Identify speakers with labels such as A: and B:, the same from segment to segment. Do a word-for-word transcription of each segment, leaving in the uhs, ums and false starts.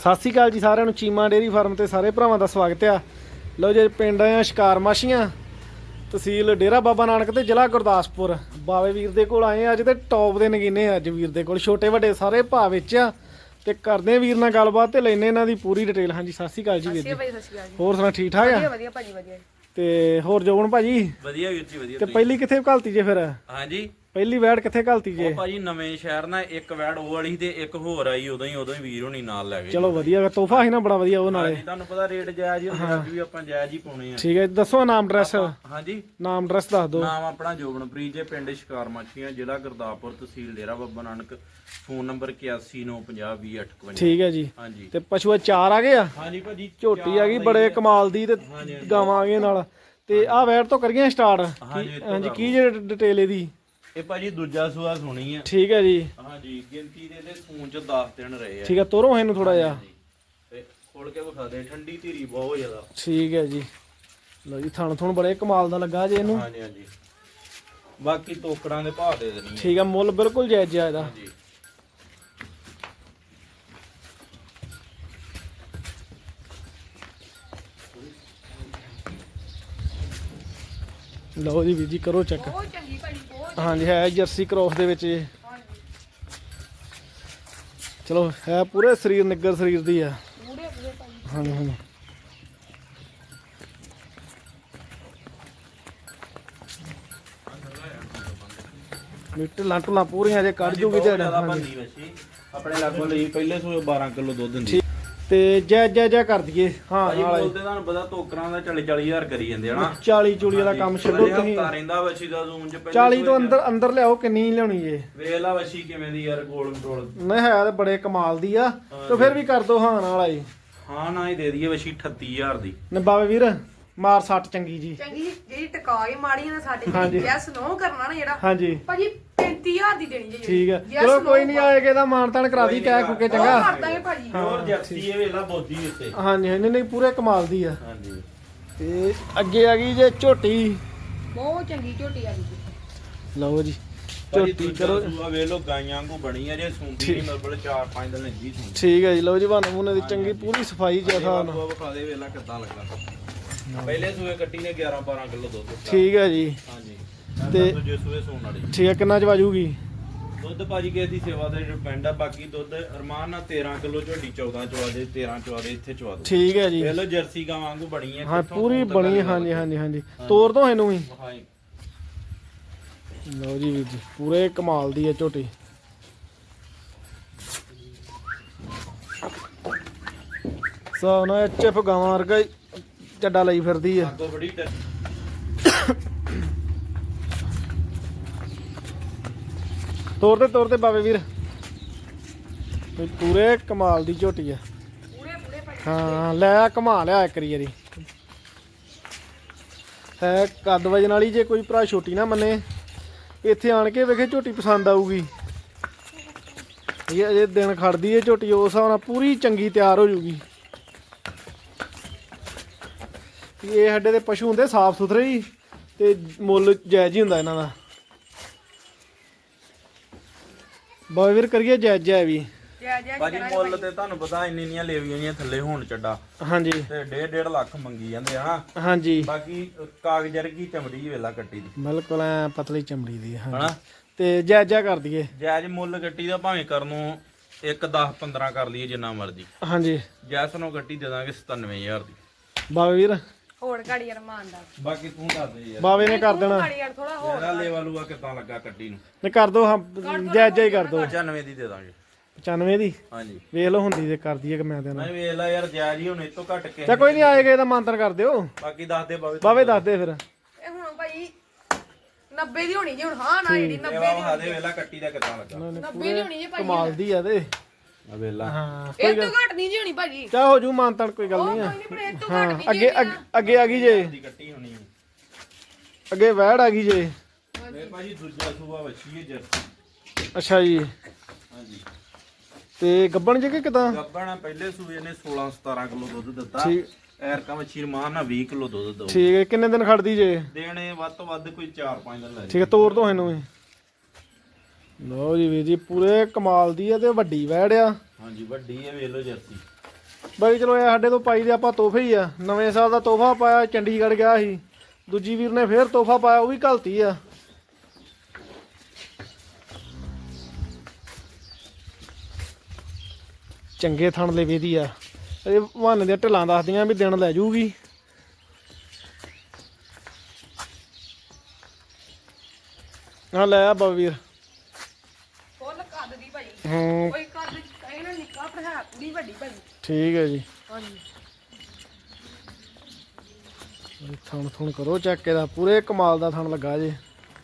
A: ਸਤਿ ਸ਼੍ਰੀ ਅਕਾਲ ਜੀ ਸਾਰਿਆਂ ਨੂੰ। ਚੀਮਾ ਡੇਅਰੀ ਫਾਰਮ ਤੇ ਸਾਰੇ ਭਰਾਵਾਂ ਦਾ ਸਵਾਗਤ ਆ। ਲਓ ਜੀ ਪਿੰਡ ਆ ਸ਼ਿਕਾਰ ਮਾਛੀਆਂ, ਤਹਿਸੀਲ ਡੇਰਾ ਬਾਬਾ ਨਾਨਕ ਤੇ ਜ਼ਿਲ੍ਹਾ ਗੁਰਦਾਸਪੁਰ। ਬਾਵੇ ਵੀਰ ਦੇ ਕੋਲ ਆਏ ਅੱਜ ਤੇ ਟੌਪ ਦੇ ਨਗੀਨੇ ਅੱਜ ਵੀਰ ਦੇ ਕੋਲ ਛੋਟੇ ਵੱਡੇ ਸਾਰੇ ਭਾਅ ਵਿੱਚ ਆ ਤੇ ਕਰਦੇ ਆ ਵੀਰ ਨਾਲ ਗੱਲਬਾਤ ਤੇ ਲੈਨੇ ਇਹਨਾਂ ਦੀ ਪੂਰੀ ਡਿਟੇਲ। ਹਾਂਜੀ ਸਤਿ ਸ਼੍ਰੀ ਅਕਾਲ ਜੀ ਵੀਰ ਜੀ। ਹੋਰ ਸੁਣਾ ਠੀਕ ਠਾਕ ਆ?
B: ਵਧੀਆ ਵਧੀਆ ਭਾਜੀ ਵਧੀਆ।
A: ਤੇ ਹੋਰ ਜੋਬਨ ਭਾਜੀ
C: ਵਧੀਆ ਵੀਰ ਜੀ ਵਧੀਆ।
A: ਤੇ ਪਹਿਲੀ ਕਿੱਥੇ ਘਲਤੀ ਜੇ ਫਿਰ?
C: ਹਾਂਜੀ
A: ਪਹਿਲੀ ਵੈੜ ਕਿੱਥੇ ਘਲਤੀ ਜੇ?
C: ਉਹ ਭਾਜੀ ਨਵੇਂ ਸ਼ਹਿਰ ਨਾਲ ਇੱਕ ਵੈੜ ਉਹ ਵਾਲੀ ਤੇ ਇੱਕ ਹੋਰ ਆਈ, ਉਦੋਂ ਹੀ ਉਦੋਂ ਹੀ ਵੀਰ ਹੋਣੀ ਨਾਲ ਲੈ ਗਏ।
A: ਚਲੋ ਵਧੀਆ ਤੋਹਫਾ ਸੀ ਨਾ ਬੜਾ ਵਧੀਆ ਉਹ ਨਾਲੇ।
C: ਤੁਹਾਨੂੰ ਪਤਾ ਰੇਟ ਜਾਇਜ਼ ਹੀ ਹੁੰਦਾ, ਅੱਜ ਵੀ ਆਪਾਂ ਜਾਇਜ਼ ਹੀ ਪਾਉਣੇ ਆ।
A: ਠੀਕ ਹੈ ਦੱਸੋ ਨਾਮ ਐਡਰੈਸ।
C: ਹਾਂਜੀ
A: ਨਾਮ ਐਡਰੈਸ ਦੱਸ ਦਿਓ।
C: ਨਾਮ ਆਪਣਾ ਜੋਬਨਪ੍ਰੀਤ ਜੇ, ਪਿੰਡ ਸ਼ਿਕਾਰ ਮਾਛੀਆਂ, ਜ਼ਿਲ੍ਹਾ ਗੁਰਦਾਸਪੁਰ, ਤਹਿਸੀਲ ਡੇਰਾ ਬਾਬਾ ਨਾਨਕ। ਫੋਨ ਨੰਬਰ ਇਕਿਆਸੀ ਨੌ ਪੰਜਾਹ ਵੀਹ ਅੱਠ ਇਕਵੰਜਾ।
A: ਠੀਕ ਹੈ ਜੀ।
C: ਹਾਂਜੀ
A: ਤੇ ਪਸ਼ੂਆ ਚਾਰ ਆ ਗਏ ਆ?
C: ਹਾਂਜੀ ਭਾਜੀ
A: ਝੋਟੀ ਆ ਗਈ ਬੜੇ ਕਮਾਲ ਦੀ ਤੇ ਗਾਵਾਂ ਆ ਗਈਆਂ ਨਾਲ। ਤੇ ਆਹ ਵੈੜ ਤੋਂ ਕਰੀਏ ਸਟਾਰਟ। ਹਾਂਜੀ ਕੀ ਜੇ ਡਿਟੇਲ ਇਹਦੀ?
C: ਇਹ ਭਾਜੀ ਦੂਜਾ ਸੂਆ ਸੁਣੀ ਆ।
A: ਠੀਕ ਹੈ ਜੀ।
C: ਹਾਂਜੀ ਗਿਣਤੀ ਦੇ ਤੇ ਸੂਨ ਚ ਦਸ ਦਿਨ ਰਹੇ ਆ।
A: ਠੀਕ ਹੈ ਤੋਰੋ ਇਹਨੂੰ ਥੋੜਾ ਜਿਹਾ
C: ਤੇ ਖੋਲ ਕੇ ਵਿਖਾ ਦੇ, ਠੰਡੀ ਧੀਰੀ ਬਹੁਤ ਜ਼ਿਆਦਾ।
A: ਠੀਕ ਹੈ ਜੀ। ਲਓ ਜੀ ਥਣ ਥਣ ਬੜੇ ਕਮਾਲ ਦਾ ਲੱਗਾ ਜੇ ਇਹਨੂੰ।
C: ਹਾਂਜੀ ਹਾਂਜੀ ਬਾਕੀ ਟੋਕਰਾਂ ਦੇ ਭਾਅ ਦੇ ਦੇਣੀ।
A: ਠੀਕ ਹੈ ਮੁੱਲ ਬਿਲਕੁਲ ਜਾਇਜ਼ ਆ ਇਹਦਾ।
C: ਹਾਂਜੀ
A: ਲਓ ਜੀ ਵੀਰ ਜੀ ਕਰੋ ਚੈੱਕ।
B: ਬਹੁਤ ਚੰਗੀ ਭਾਜੀ ਬਹੁਤ।
A: ਹਾਂਜੀ ਹੈ ਜਰਸੀ ਕ੍ਰੋਸ ਦੇ ਵਿੱਚ ਇਹ। ਚਲੋ ਹੈ ਪੂਰੇ ਸਰੀਰ ਨਿੱਗਰ ਸਰੀਰ ਦੀ ਆ।
B: ਪੂਰੇ ਪੂਰੇ ਭਾਜੀ।
A: ਹਾਂਜੀ ਹਾਂਜੀ ਮਿੱਟ ਲਾਂਟੂਲਾਂ ਪੂਰੀਆਂ ਜੇ ਕੱਢ ਜੂਗੀ ਤੇ
C: ਬੰਦੀ ਵਸੀ ਆਪਣੇ ਲਾਗੋਂ ਲਈ ਪਹਿਲੇ ਸੂਏ ਬਾਰਾਂ ਕਿਲੋ ਦੁੱਧ ਦਿੰਦੀ।
A: ਤੇ ਜੈ ਜੈ ਜੈ ਕਰ ਦਈਏ। ਹਾਂ
C: ਭਾਜੀ ਬੋਲਦੇ ਤੁਹਾਨੂੰ ਪਤਾ ਟੋਕਰਾਂ ਦਾ ਚਾਲੀ ਚਾਲੀ ਹਜ਼ਾਰ ਕਰੀ ਜਾਂਦੇ ਹਨਾ।
A: ਚਾਲੀ ਚੂਲੀ ਵਾਲਾ ਕੰਮ ਛੱਡੋ ਤੁਸੀਂ।
C: ਹਫਤਾ ਰਹਿੰਦਾ ਵਸੀ ਦਾ ਜ਼ੂਨ ਚ ਪਹਿਲੇ
A: ਚਾਲੀ ਤੋਂ ਅੰਦਰ ਅੰਦਰ ਲਿਆਓ ਕਿੰਨੀ ਲਿਆਉਣੀ ਜੇ?
C: ਵੇਖ ਲਾ ਵਸੀ ਕਿਵੇਂ ਦੀ ਯਾਰ, ਗੋਲ ਮਟੋਲ
A: ਨਹੀਂ ਹੈ ਤੇ ਬੜੇ ਕਮਾਲ ਦੀ ਆ ਤੇ ਫਿਰ ਵੀ ਕਰ ਦੋ ਹਾਂ ਨਾਲ ਆਈ।
C: ਹਾਂ ਨਾ ਹੀ ਦੇ ਦਈਏ ਵਸੀ ਅਠੱਤੀ ਹਜ਼ਾਰ ਦੀ।
A: ਨੇ ਬਾਵੇ ਵੀਰ ਮਾਰ ਸੱਟ ਚੰਗੀ ਜੀ।
B: ਚੰਗੀ ਜਿਹੜੀ ਟਕਾ ਕੇ ਮਾੜੀ ਨਾ ਸਾਡੇ
A: ਹਾਂਜੀ।
B: ਯੈਸ ਨੋ ਕਰਨਾ ਨਾ ਜਿਹੜਾ
A: ਹਾਂਜੀ
B: ਭਾਜੀ ਪੈਂਤੀ ਹਜ਼ਾਰ ਦੀ ਦੇਣੀ ਜੀ।
A: ਠੀਕ ਹੈ ਚਲੋ ਕੋਈ ਨਹੀਂ ਆਏਗਾ ਇਹਦਾ ਮਾਨ ਤਾਨ ਕਰਾ ਦੀ ਕਹਿ ਕੁਕੇ ਚੰਗਾ।
B: ਕਰ ਦਾਂਗੇ ਭਾਜੀ।
C: ਹੋਰ ਜਰਸੀ ਇਹ ਵੇਖ ਲਾ ਬੋਦੀ ਉੱਤੇ।
A: ਹਾਂਜੀ ਹਾਂਜੀ ਨਹੀਂ ਪੂਰੇ ਕਮਾਲ ਦੀ ਆ।
C: ਹਾਂਜੀ
A: ਤੇ ਅੱਗੇ ਆ ਗਈ ਜੇ ਝੋਟੀ।
B: ਬਹੁਤ ਚੰਗੀ ਝੋਟੀ ਆ ਗਈ।
A: ਲਓ ਜੀ
C: ਝੋਟੀ
A: ਝੋਟੀ ਕਰੋ।
C: ਸੂਆ ਵੇਖ ਲੋ ਗਾਈਆਂ ਵਾਂਗੂ ਬਣੀ ਆ, ਜੇ ਸੁੰਦੀ ਨਹੀਂ ਮਤਲਬ ਚਾਰ ਪੰਜ ਦਿਨ ਲੱਗੀ ਸੁੰਦੀ।
A: ਠੀਕ ਹੈ ਜੀ ਲਓ ਜੀ ਬਹਾਨੇ ਮੂਨੇ ਦੀ ਚੰਗੀ ਪੂਰੀ ਸਫਾਈ ਚ ਆ।
C: ਵਿਖਾ ਦੇ ਵੇਖ ਲਾ ਕਿੱਦਾਂ ਲੱਗਾ। ਪਹਿਲੇ ਸੂਏ ਕੱਟੀ ਨੇ ਗਿਆਰਾਂ ਬਾਰਾਂ ਕਿਲੋ ਦੁੱਧ ਦਿੱਤਾ।
A: ਠੀਕ ਹੈ ਜੀ।
C: ਹਾਂਜੀ
A: ਤੇ
C: ਤੇ ਦੂਜੇ ਸੂਏ ਸੂਣ ਵਾਲੀ
A: ਠੀਕ ਹੈ ਕਿੰਨਾ ਚ ਵਾਜੂਗੀ?
C: ਦੁੱਧ ਭਾਜੀ ਕਿਸੇ ਦੀ ਸੇਵਾ ਤੇ ਡਿਪੈਂਡ ਆ। ਬਾਕੀ ਦੁੱਧ ਅਰਮਾਨ ਨਾਲ ਤੇਰਾਂ ਕਿਲੋ ਝੋਟੀ ਚੌਦਾਂ ਚਵਾ ਦੇ, ਤੇਰਾਂ ਚਵਾ ਦੇ, ਇੱਥੇ ਚਵਾ ਦੇ।
A: ਠੀਕ ਹੈ ਜੀ।
C: ਵੇਖ ਲੋ ਜਰਸੀ ਗਾਂ ਵਾਂਗੂ ਬਣੀ ਹੈ।
A: ਹਾਂ ਪੂਰੀ ਬਣੀ। ਹਾਂਜੀ ਹਾਂਜੀ ਹਾਂਜੀ ਤੋਰ ਦੋ ਇਹਨੂੰ ਵੀ।
C: ਹਾਂਜੀ
A: ਲਓ ਜੀ ਵੀਰ ਜੀ ਪੂਰੇ ਕਮਾਲ ਦੀ ਹੈ ਝੋਟੀ। ਸੋ ਨਾ ਐਚਐਫ ਗਾਵਾਂ ਵਰਗਾ ਹੀ ਚੱਡਾ ਲਈ ਫਿਰਦੀ ਆ।
C: ਅੱਗੋਂ ਬੜੀ ਟ-
A: ਤੋਰ ਤੇ ਤੋਰ ਤੇ ਬਾਵੇ ਵੀਰ ਵੀ ਪੂਰੇ ਕਮਾਲ ਦੀ ਝੋਟੀ ਆ।
B: ਪੂਰੇ ਪੂਰੇ ਭਾਜੀ।
A: ਹਾਂ ਲੈ ਘੁਮਾ ਲਿਆ ਇੱਕ ਵਾਰੀ। ਹੈ ਕੱਦ ਵਜਨ ਵਾਲੀ। ਜੇ ਕੋਈ ਭਰਾ ਛੋਟੀ ਨਾ ਮੰਨੇ ਇੱਥੇ ਆਣ ਕੇ ਵੇਖੇ ਝੋਟੀ ਪਸੰਦ ਆਊਗੀ। ਇਹ ਅਜੇ ਦਿਨ ਖੜਦੀ ਹੈ ਝੋਟੀ ਉਸ ਹਿਸਾਬ ਨਾਲ ਪੂਰੀ ਚੰਗੀ ਤਿਆਰ ਹੋ ਜੂਗੀ। ਇਹ ਸਾਡੇ ਦੇ ਪਸ਼ੂ ਹੁੰਦੇ ਸਾਫ ਸੁਥਰੇ ਹੀ ਤੇ ਮੁੱਲ ਜਾਇਜ਼ ਹੀ ਹੁੰਦਾ ਇਹਨਾਂ ਦਾ। ਬਾਵੇ ਵੀਰ ਕਰੀਏ ਜਾਇਜ਼ ਜਾਇ ਵੀ।
B: ਜੈ ਜੈ
C: ਭਾਜੀ ਮੁੱਲ ਤੇ ਤੁਹਾਨੂੰ ਪਤਾ ਇੰਨੀ ਇੰਨੀਆਂ ਲੇਵੀਆਂ ਜੀਆਂ ਥੱਲੇ ਹੋਣ ਚੱਡਾ
A: ਹਾਂਜੀ
C: ਤੇ ਡੇਢ ਡੇਢ ਲੱਖ ਮੰਗੀ ਜਾਂਦੇ ਹਨਾ।
A: ਹਾਂਜੀ
C: ਬਾਕੀ ਕਾਗਜ਼ ਵਰਗੀ ਚਮੜੀ ਵੇਲਾ ਕੱਟੀ ਦੀ
A: ਬਿਲਕੁਲ ਐ ਪਤਲੀ ਚਮੜੀ ਦੀ।
C: ਹਨਾ।
A: ਹਾਂਜੀ ਤੇ ਜਾਇਜ਼ ਜਾਇ ਕਰ ਦਈਏ।
C: ਜਾਇਜ਼ ਮੁੱਲ ਗੱਟੀ ਦਾ ਭਾਵੇਂ ਕਰਨ ਨੂੰ ਇੱਕ ਦਸ ਪੰਦਰਾਂ ਕਰ ਲਈਏ ਜਿੰਨਾ ਮਰਜ਼ੀ।
A: ਹਾਂਜੀ
C: ਜੈਸ ਨੂੰ ਗੱਟੀ ਦੇ ਦਾਂਗੇ ਸਤਾਨਵੇਂ ਹਜ਼ਾਰ ਦੀ।
A: ਬਾਵੇ ਵੀਰ
B: ਹੋਰ ਘੜੀ ਅਰਮਾਨ ਦਾ।
C: ਬਾਕੀ ਤੂੰ ਦੱਸ ਦੇ ਯਾਰ
A: ਬਾਵੇ ਨੇ ਕਰ ਦੇਣਾ।
B: ਘੜੀ ਯਾਰ ਥੋੜਾ ਹੋਰ
C: ਇਹਦਾ ਲੈਵਾ ਲੂਆ ਕਿੱਦਾਂ ਲੱਗਾ ਗੱਡੀ ਨੂੰ?
A: ਨੇ ਕਰ ਦੋ ਹਾਂ ਜਾਇਜ਼ ਜਾਇ ਕਰ ਦੋ।
C: ਪਚਾਨਵੇਂ ਦੀ ਦੇ ਦਾਂਗੇ।
A: ਪਚਾਨਵੇਂ ਦੀ
C: ਹਾਂਜੀ
A: ਵੇਖ ਲਓ ਹੁੰਦੀ ਤੇ ਕਰ ਦਈਏ ਕਿ ਮੈਂ ਦੇਣਾ।
C: ਮੈਂ ਵੇਖ ਲਾ ਯਾਰ ਜਾਇਜ਼ ਹੀ ਹੁਣ ਇਹ ਤੋਂ ਘੱਟ ਕੇ।
A: ਚਾ ਕੋਈ ਨਹੀਂ ਆਏਗਾ ਇਹਦਾ ਮਾਨਤਨ ਕਰ ਦਿਓ।
C: ਬਾਕੀ ਦੱਸ ਦੇ ਬਾਵੇ
A: ਬਾਵੇ ਦੱਸ ਦੇ ਫਿਰ।
B: ਇਹ ਹੁਣ ਭਾਈ ਨੱਬੇ ਦੀ ਹੋਣੀ ਜੀ ਹੁਣ। ਹਾਂ ਨਾ ਜਿਹੜੀ ਨੱਬੇ
C: ਲੈਵਾ
B: ਦੀ
C: ਵਿਖਾ ਦੇ ਵੇਲਾ ਗੱਟੀ ਦਾ ਕਿੱਦਾਂ ਲੱਗਾ।
B: ਨੱਬੇ ਦੀ ਹੋਣੀ ਜੀ ਭਾਈ।
A: ਕਮਾਲ ਦੀ ਆ ਤੇ।
C: ਆ ਵੇਲਾ
A: ਹਾਂ
B: ਇਹ ਤੋਂ ਘੱਟ ਨਹੀਂ ਜੀ ਹੋਣੀ ਭਾਜੀ।
A: ਚਾ ਹੋ ਜੂ ਮਾਨਤਨ ਕੋਈ ਗੱਲ ਨਹੀਂ ਆ।
B: ਕੋਈ ਨਹੀਂ ਪਰ ਇਹ ਤੋਂ
A: ਹਾਂ
B: ਘੱਟ ਨਹੀਂ
A: ਅੱਗੇ ਅੱਗੇ- ਅੱਗੇ ਆ ਗਈ ਜੇ।
C: ਦੀ ਗੱਟੀ ਹੋਣੀ ਹੈ।
A: ਅੱਗੇ ਵੈੜ ਆ ਗਈ ਜੇ।
C: ਇਹ ਭਾਜੀ ਦੂਜਾ ਸੂਆ ਵੱਛੀ ਹੈ ਜਰਸੀ।
A: ਅੱਛਾ ਜੀ।
C: ਹਾਂਜੀ
A: ਤੇ ਗੱਬਣ ਜੇ ਕਿ ਕਿਦਾਂ?
C: ਗੱਬਣਾ ਪਹਿਲੇ ਸੂਏ ਨੇ ਸੋਲਾਂ ਸਤਾਰਾਂ ਕਿਲੋ ਦੁੱਧ ਦਿੱਤਾ।
A: ਠੀਕ।
C: ਐਰਕਾ ਵੱਛੀ ਰਮਾਨ ਨਾਲ ਵੀਹ ਕਿਲੋ ਦੁੱਧ ਦਊ।
A: ਠੀਕ ਹੈ ਕਿੰਨੇ ਦਿਨ ਖੜਦੀ ਜੇ?
C: ਦੇਣੇ ਵੱਧ ਤੋਂ ਵੱਧ ਕੋਈ ਚਾਰ ਪੰਜ ਦਿਨ ਲੈ
A: ਠੀਕ ਹੈ ਤੋਰ ਦੋ ਇਹਨੂੰ ਵੀ। ਲਓ ਜੀ ਵੀਰ ਜੀ ਪੂਰੇ ਕਮਾਲ ਦੀ ਆ ਤੇ ਵੱਡੀ ਵੈੜ ਆ।
C: ਹਾਂਜੀ ਵੱਡੀ ਹੈ ਵੇਖ ਲਓ ਜਰਸੀ।
A: ਬਾਕੀ ਚਲੋ ਇਹ ਸਾਡੇ ਤੋਂ ਪਾਈ ਦੇ ਆਪਾਂ ਤੋਹਫੇ ਹੀ ਆ। ਨਵੇਂ ਸਾਲ ਦਾ ਤੋਹਫਾ ਪਾਇਆ, ਚੰਡੀਗੜ੍ਹ ਗਿਆ ਸੀ। ਦੂਜੀ ਵੀਰ ਨੇ ਫੇਰ ਤੋਹਫਾ ਪਾਇਆ, ਉਹ ਵੀ ਘਲਤੀ ਆ। ਚੰਗੇ ਥਣ ਲੇਵੇ ਦੀ ਆ। ਇਹ ਵੰਨ ਦੇ ਢਿੱਲਾਂ ਦੱਸਦੀਆਂ ਵੀ ਦਿਨ ਲੈ ਜੂਗੀ। ਆ ਲੈ ਆ ਬਵੀਰ
B: ਫੁੱਲ ਕੱਦ ਦੀ ਭਾਈ।
A: ਹੂੰ
B: ਕੋਈ ਕੱਦ ਇਹਨਾਂ ਨਿੱਕਾ ਪਰ ਹੈ ਕੁੜੀ ਵੱਡੀ ਭਾਈ।
A: ਠੀਕ ਹੈ ਜੀ।
B: ਹਾਂਜੀ
A: ਥਣ ਥਣ ਕਰੋ ਚੈੱਕ ਇਹਦਾ, ਪੂਰੇ ਕਮਾਲ ਦਾ ਥਣ ਲੱਗਾ ਜੇ।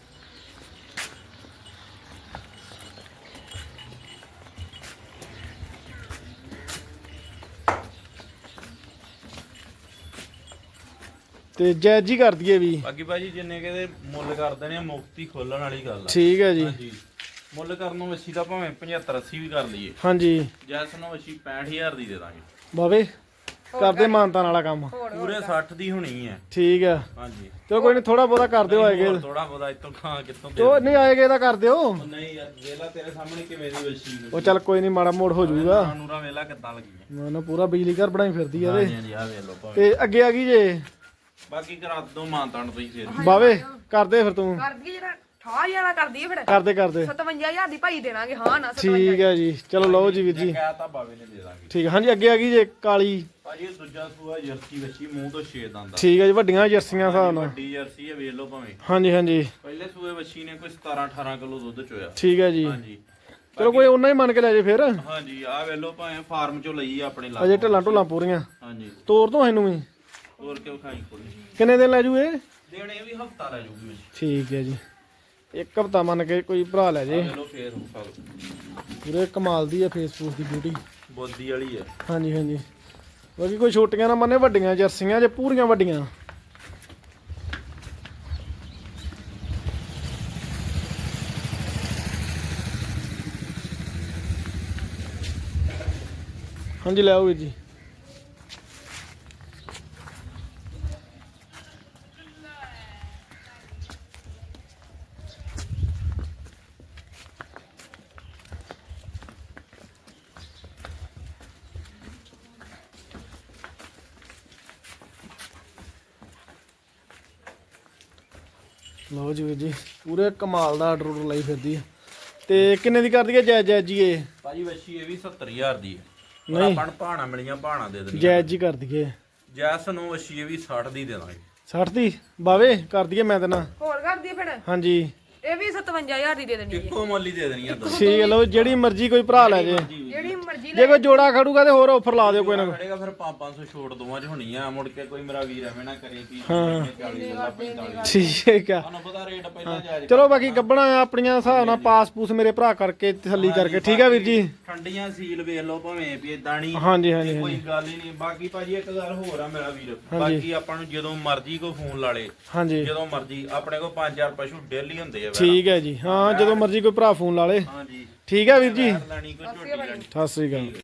A: ਤੇ ਜੈਜ ਹੀ ਕਰ ਦਈਏ ਵੀ।
C: ਬਾਕੀ ਭਾਜੀ ਜਿੰਨੇ ਕਿਤੇ ਮੁੱਲ ਕਰ ਦੇਣੇ ਆ, ਮੁਫਤੀ ਖੋਲਣ ਵਾਲੀ ਗੱਲ ਆ।
A: ਠੀਕ ਹੈ ਜੀ।
C: ਹਾਂਜੀ ਮੁੱਲ ਕਰਨ ਨੂੰ ਵੱਛੀ ਦਾ ਭਾਵੇਂ ਪਝੱਤਰ ਅੱਸੀ ਵੀ ਕਰ ਲਈਏ,
A: ਹਾਂਜੀ
C: ਜੈਸ ਨੂੰ ਵੱਛੀ ਪੈਂਹਠ ਹਜ਼ਾਰ ਦੀ ਦੇ ਦਾਂਗੇ।
A: ਬਾਵੇ ਕਰਦੇ ਮਾਨਤਾਨ ਵਾਲਾ ਕੰਮ।
C: ਪੂਰੇ ਸੱਠ ਦੀ ਹੋਣੀ ਹੈ।
A: ਠੀਕ ਆ
C: ਹਾਂਜੀ
A: ਚਲੋ ਕੋਈ ਨਹੀਂ, ਥੋੜਾ ਬਹੁਤਾ ਕਰ ਦਿਓ ਆਏਗੇ।
C: ਥੋੜਾ ਬਹੁਤਾ ਇਤੋਂ ਖਾਂ ਕਿੱਥੋਂ ਦੇ
A: ਤੋ ਨਹੀਂ ਆਏਗੇ ਤਾਂ ਕਰ ਦਿਓ।
C: ਉਹ ਨਹੀਂ ਯਾਰ ਵੇਲਾ ਤੇਰੇ ਸਾਹਮਣੇ ਕਿਵੇਂ ਦੀ ਵੱਛੀ
A: ਉਹ ਚੱਲ ਕੋਈ ਨਹੀਂ, ਮਾੜਾ ਮੋੜ ਹੋ ਜਾਊਗਾ।
C: ਨੂਰਾ ਵੇਲਾ ਕਿੱਦਾਂ ਲੱਗੀ
A: ਨਾ ਨਾ ਪੂਰਾ ਬਿਜਲੀ ਘਰ ਬਣਾਈ ਫਿਰਦੀ ਆ
C: ਹਾਂਜੀ
A: ਇਹਦੇ।
C: ਹਾਂਜੀ ਆ ਵੇਖ ਲਓ ਭਾਵੇਂ।
A: ਤੇ ਅੱਗੇ ਆ ਗਈ ਜੇ
C: ਬਾਕੀ ਕਰਾ ਦੋ ਮਾਨਤਾਨ ਤੁਸੀਂ ਫੇਰ।
A: ਬਾਵੇ ਕਰਦੇ ਫਿਰ ਤੂੰ।
B: ਕਰਦੀ ਜਿਹੜਾ ਠਾ ਜਾਣਾ ਕਰਦੀ ਹੈ ਫਿਰ।
A: ਕਰਦੇ ਕਰਦੇ
B: ਸਤਵੰਜਾ ਹਜ਼ਾਰ ਦੀ ਭਾਈ ਦੇਣਾਗੇ। ਹਾਂ ਨਾ
A: ਠੀਕ ਹੈ ਜੀ। ਚਲੋ ਲਓ ਜੀ ਵੀਰ ਜੀ।
C: ਕਹਿ ਤਾਂ ਬਾਵੇ ਨੇ ਦੇ ਦਾਂਗੇ।
A: ਠੀਕ ਹੈ ਹਾਂਜੀ। ਅੱਗੇ ਆ ਗਈ ਜੇ ਕਾਲੀ।
C: ਭਾਜੀ ਇਹ ਦੂਜਾ ਸੂਆ ਜਰਸੀ ਵੱਛੀ, ਮੂੰਹ ਤੋਂ ਛੇ ਦੰਦ ਆ।
A: ਠੀਕ ਹੈ ਜੀ। ਵੱਡੀਆਂ ਜਰਸੀਆਂ ਹਿਸਾਬ ਨਾਲ।
C: ਵੱਡੀ ਜਰਸੀ ਹੈ, ਵੇਖ ਲਓ ਭਾਵੇਂ।
A: ਹਾਂਜੀ ਹਾਂਜੀ
C: ਪਹਿਲੇ ਸੂਏ ਵੱਛੀ ਨੇ ਕੋਈ ਸਤਾਰਾਂ ਅਠਾਰਾਂ ਕਿਲੋ ਦੁੱਧ ਚੋਇਆ।
A: ਠੀਕ ਹੈ ਜੀ।
C: ਹਾਂਜੀ
A: ਚਲੋ ਕੋਈ ਉਹਨਾਂ ਹੀ ਮੰਨ ਕੇ ਲੈ ਜੇ ਫਿਰ।
C: ਹਾਂਜੀ ਆ ਵੇਖ ਲਓ ਭਾਵੇਂ ਫਾਰਮ ਚੋਂ ਲਈ ਆ ਆਪਣੇ
A: ਅਜੇ
C: ਲਾ।
A: ਢਿੱਲਾਂ ਢੁੱਲਾਂ ਪੂਰੀਆਂ।
C: ਹਾਂਜੀ
A: ਤੋਰ ਤੋਂ ਇਹਨੂੰ ਵੀ
C: ਹੋਰ ਕਿਉਂ ਖਾਈ ਕੋਲੀ
A: ਕਿੰਨੇ ਦਿਨ ਲੈ ਜੂ ਇਹ?
C: ਦੇਣੇ ਵੀ ਹਫਤਾ ਲੈ ਜੂਗੀ ਵੱਛੀ।
A: ਠੀਕ ਹੈ ਜੀ। ਇੱਕ ਹਫਤਾ ਮੰਨ ਕੇ ਕੋਈ ਭਰਾ ਲੈ ਜੇ।
C: ਵੇਖ ਲਓ ਫੇਰ ਹੋ ਸਕਦਾ।
A: ਪੂਰੇ ਕਮਾਲ ਦੀ ਆ ਫੇਸਬੁੱਕ ਦੀ ਬਿਊਟੀ।
C: ਬੋਦੀ ਵਾਲੀ ਹੈ।
A: ਹਾਂਜੀ ਹਾਂਜੀ। ਬਾਕੀ ਕੋਈ ਛੋਟੀਆਂ ਨਾ ਮੰਨੇ, ਵੱਡੀਆਂ ਜਰਸੀਆਂ ਜੇ ਪੂਰੀਆਂ ਵੱਡੀਆਂ। ਹਾਂਜੀ ਲੈ ਆਓ ਵੀਰ ਜੀ। ਲਓ ਜੀ ਵੀਰ ਜੀ, ਪੂਰੇ ਕਮਾਲ ਦਾ ਆਰਡਰ ਲਈ ਫਿਰਦੀ ਆ। ਤੇ ਕਿੰਨੇ ਦੀ ਕਰਦੀ ਹੈ ਜੈ ਜੈ ਜੀ ਇਹ?
C: ਭਾਜੀ ਵੱਛੀ ਇਹ ਵੀ ਸੱਤਰ ਹਜ਼ਾਰ ਦੀ ਹੈ।
A: ਨਹੀਂ।
C: ਆਪਾਂ ਨੂੰ ਭਾਣਾ ਮਿਲੀਆਂ ਭਾਣਾ ਦੇ ਦੇਣੀਆਂ।
A: ਜੈ ਜੀ ਕਰ ਦਈਏ।
C: ਜੈਸ ਨੂੰ ਵੱਛੀ ਇਹ ਵੀ ਸੱਠ ਦੀ ਦੇ ਦਾਂਗੇ।
A: ਸੱਠ ਦੀ ਬਾਵੇ ਕਰ ਦਈਏ ਮੈਂ ਤੇ ਨਾ।
B: ਹੋਰ ਕਰਦੀ ਹੈ ਫਿਰ।
A: ਹਾਂਜੀ
B: ਇਹ ਵੀ ਸਤਵੰਜਾ ਹਜ਼ਾਰ ਦੀ ਦੇ ਦੇਣੀ ਹੈ।
C: ਇੱਕੋ ਮੁੱਲ ਹੀ ਦੇ ਦੇਣੀਆਂ ਦੋ।
A: ਠੀਕ ਹੈ। ਲਓ ਜਿਹੜੀ ਮਰਜ਼ੀ ਕੋਈ ਭਰਾ ਲੈ ਜੇ।
B: ਜਿਹੜੀ ਮਰਜ਼ੀ
A: ਜੇ ਕੋਈ ਜੋੜਾ ਖੜੂਗਾ ਤੇ ਹੋਰ ਆਫਰ ਲਾ ਦਿਓ ਕੋਈ ਨਾ।
C: ਖੜੇਗਾ ਫਿਰ ਪੰਜ ਪੰਜ ਸੌ ਛੋਟ ਦੋਵਾਂ ਚ ਹੋਣੀ ਆ। ਮੁੜ ਕੇ ਕੋਈ ਮੇਰਾ ਵੀਰ ਐਵੇਂ ਨਾ ਕਰੇ ਕਿ
A: ਹਾਂ।
C: ਚਾਲੀ ਲੱਲਾ ਪੈਂਤਾਲੀ।
A: ਠੀਕ ਆ।
C: ਤੁਹਾਨੂੰ ਪਤਾ ਰੇਟ ਪਹਿਲਾਂ ਜਾਇਜ਼।
A: ਚਲੋ ਬਾਕੀ ਗੱਬਣਾ ਆਪਣੀਆਂ ਹਿਸਾਬ ਨਾਲ ਪਾਸ ਪੂਸ ਮੇਰੇ ਭਰਾ ਕਰਕੇ ਤਸੱਲੀ ਕਰਕੇ। ਠੀਕ ਆ ਵੀਰ ਜੀ।
C: ਠੰਡੀਆਂ ਸੀਲ ਵੇਖ ਲਓ ਭਾਵੇਂ ਵੀ ਇਦਾਂ ਨਹੀਂ।
A: ਹਾਂਜੀ ਹਾਂਜੀ
C: ਕੋਈ
A: ਹਾਂਜੀ
C: ਗੱਲ ਹੀ ਨਹੀਂ। ਬਾਕੀ ਭਾਜੀ ਇੱਕ ਗੱਲ ਹੋਰ ਆ ਮੇਰਾ ਵੀਰ, ਬਾਕੀ ਆਪਾਂ ਨੂੰ ਜਦੋਂ ਮਰਜ਼ੀ ਕੋ ਫੋਨ ਲਾ ਲੇ,
A: ਹਾਂਜੀ
C: ਜਦੋਂ ਮਰਜ਼ੀ ਆਪਣੇ ਕੋਲ ਪੰਜ ਹਜ਼ਾਰ ਪਸ਼ੂ ਡੇਲੀ ਹੁੰਦੇ ਆ।
A: ਠੀਕ ਹੈ ਜੀ। ਹਾਂ ਜਦੋਂ ਮਰਜ਼ੀ ਕੋਈ ਭਰਾ ਫੋਨ ਲਾ ਲੇ।
C: ਹਾਂਜੀ
A: ਠੀਕ ਆ ਵੀਰ ਜੀ।
C: ਲੈਣੀ ਕੋਈ ਝੋਟੀ ਲੈਣੀ।
A: ਸਤਿ ਸ੍ਰੀ ਅਕਾਲ।